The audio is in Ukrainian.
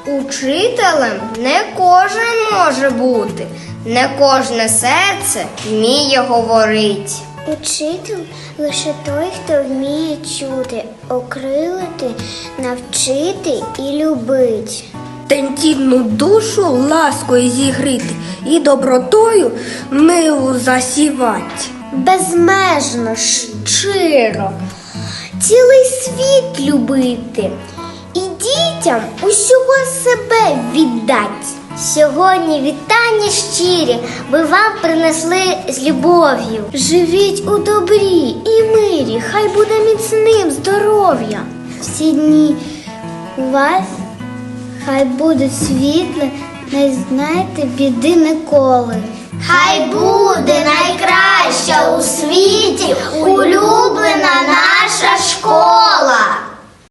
Учителем не кожен може бути, не кожне серце вміє говорити. Учитель лише той, хто вміє чути, окрилити, навчити і любить. Тендітну душу ласкою зігріти і добротою милу засівать. Безмежно, щиро, цілий світ любити і дітям усього себе віддать. Сьогодні вітання щирі ви вам принесли з любов'ю. Живіть у добрі і мирі, хай буде міцним здоров'я. Всі дні у вас хай будуть світлі, не знайте біди ніколи. Хай буде найкраща у світі улюблена